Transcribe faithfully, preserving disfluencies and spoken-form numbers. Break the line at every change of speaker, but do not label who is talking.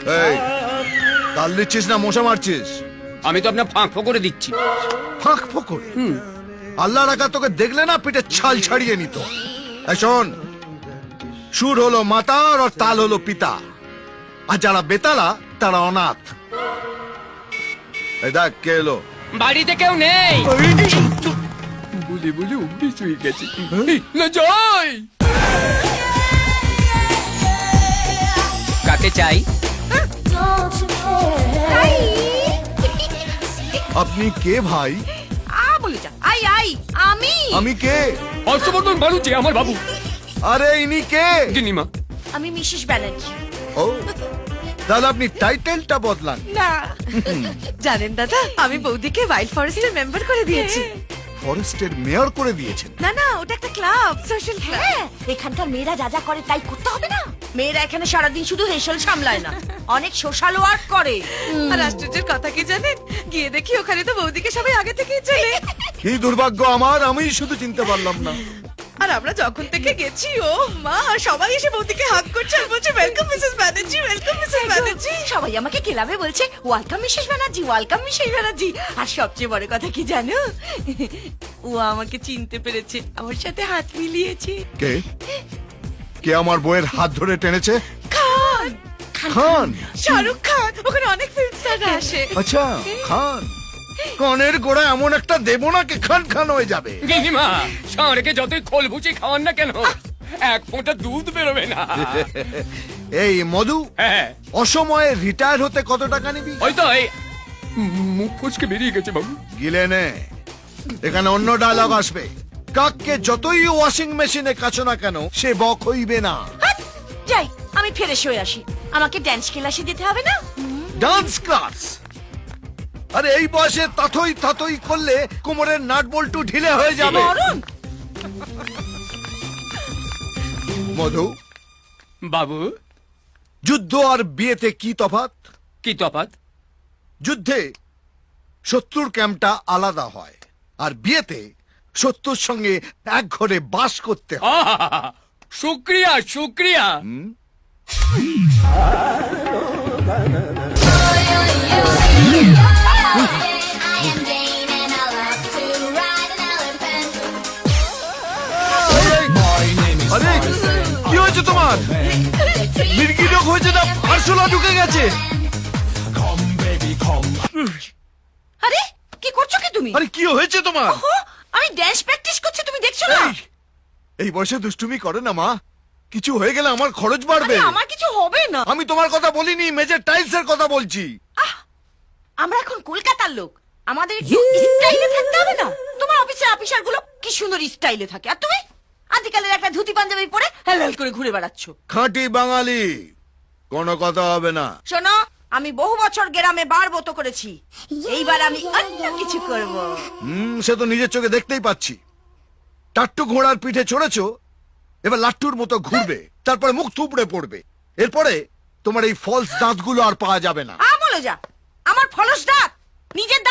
এই তাল দিচ্ছিস না মশা মারছিস?
আমি তো আপনার ফাঁক করে দিচ্ছি।
ফাঁক ফোকরে? আল্লাহ রাখা তোকে দেখলে না পিঠে ছাল ছাড়িয়ে নিত। এই শোন, সুর হলো মাতার আর তাল হলো পিতা, আর যারা বেতালা তারা অনাথ। এই দেখ কে এলো।
বাড়িতে কেউ নেই বলে বলে অভ্যেস হয়ে গেছে। না জয়, কাকে চাই?
আপনি কে ভাই?
আ বলে যা। আই আই আমি
আমি কে?
হর্ষবর্ধন বাড়ুচি আমার বাবু।
আরে ইনি কে?
গিনিমা।
আমি মিসেস ব্যানার্জি।
ও, তাহলে আপনি টাইটেলটা বদলান।
না জানেন দাদা, আমি বৌদিকে ওয়াইল্ড ফরেস্টের মেম্বার করে দিয়েছি।
ফরেস্টের মেয়র করে দিয়েছেন?
না না, ওটা একটা ক্লাব, সোশ্যাল ক্লাব। এখানকার মেয়েরা যা যা করে তাই করতে হবে না। মেয়েরা এখানে সারাদিন শুধু হেসেল সামলায় না, অনেক সোশ্যাল ওয়ার্ক করে। আর আশ্চর্যের কথা কি জানেন, গিয়ে দেখি ওখানে তো বৌদিকে সবাই আগে থেকেই চেনে।
কি দুর্ভাগ্য আমার, আমি শুধু চিনতে পারলাম না।
আর আমরা যখন থেকে গেছি, ও মা, সবাই এসে বৌদিকে হাগ করছে আর বলছে welcome Mrs Banerjee, welcome Mrs Banerjee. সবাই আমাকে ক্লাবে বলছে welcome Mrs Banerjee, welcome Mrs Banerjee. আর সবচেয়ে বড় কথা কি জানো, ও আমাকে চিনতে পেরেছে, আমার সাথে হাত মিলিয়েছে।
কে? কে আমার বইয়ের হাত ধরে টেনেছে?
খান,
খান?
শাহরুখ খান, ওখানে অনেক ফিল্ম স্টার আসে।
আচ্ছা, খান। কানের গোড়া এমন একটা দেবো না কি খান খান হয়ে যাবে।
গিনিমা, ষাঁড়কে যতই খোল ভুচি খাওয়ান না কেন, এক ফোঁটা দুধ বেরোবে না।
এই মধু,
হ্যাঁ,
অসময়ে রিটায়ার হতে কত টাকা নিবি?
ওই তো এই মুখ ফসকে বেরিয়ে গেছে বাবু।
গিলে নে, এখানে অন্য ডায়লগ আসবে। কাককে যতই ওয়াশিং মেশিনে কাছো না কেন, সে বক হইবে না।
হাট, যাই আমি ফ্রেশ হয়ে আসি, আমাকে ড্যান্স ক্লাসে যেতে হবে না।
Dance class? আরে এই বয়সে তাথই তাথই করলে কোমরের নাট বল্টু ঢিলে হয়ে যাবে।
মরণ।
মধু,
বাবু,
যুদ্ধ আর বিয়েতে কি তফাৎ?
কি তফাৎ?
যুদ্ধে শত্রুর ক্যাম্পটা আলাদা হয়, আর বিয়েতে শত্রুর সঙ্গে এক ঘরে বাস করতে হয়।
আহা, শুক্রিয়া শুক্রিয়া।
আরে কি হয়েছে তোমার? মির্গি রোগ হয়েছে না আরশোলা ঢুকে গেছে?
আরে কি করছো কি তুমি?
আরে কি হয়েছে তোমার?
ওহো, আমি ড্যান্স প্র্যাকটিস করছি, তুমি দেখছো না?
এই, এই বয়সে দুষ্টুমি করে না মা, কিছু হয়ে গেলে আমার খরচ বাড়বে।
আরে আমার কিছু হবে না।
আমি তোমার কথা বলিনি, মেজের টাইলস এর কথা বলছি।
আমরা এখন কলকাতার লোক, আমাদের একটু স্টাইলে থাকতে হবে না? তোমার অফিসের অফিসার গুলো কি সুন্দর স্টাইলে থাকে, আর তুমি আজকালের একটা ধুতি পাঞ্জাবি পরে হেলাল করে ঘুরে বেড়াচ্ছ।
খাঁটি বাঙালি, কোনো কথা হবে না।
শোনো, আমি বহু বছর গ্রামে বার বত করেছি, এইবার আমি অন্য কিছু করব।
হুম, সে তো নিজের চোখে দেখতেই পাচ্ছি। টাট্টু ঘোড়ার পিঠে চড়েছো, এবার লাট্টুর মতো ঘুরবে, তারপরে মুখ থুবড়ে পড়বে। এরপরে তোমার এই ফলস দাঁতগুলো আর পাওয়া যাবে না।
আ বলে যা, আমার ফলস দাঁত, নিজের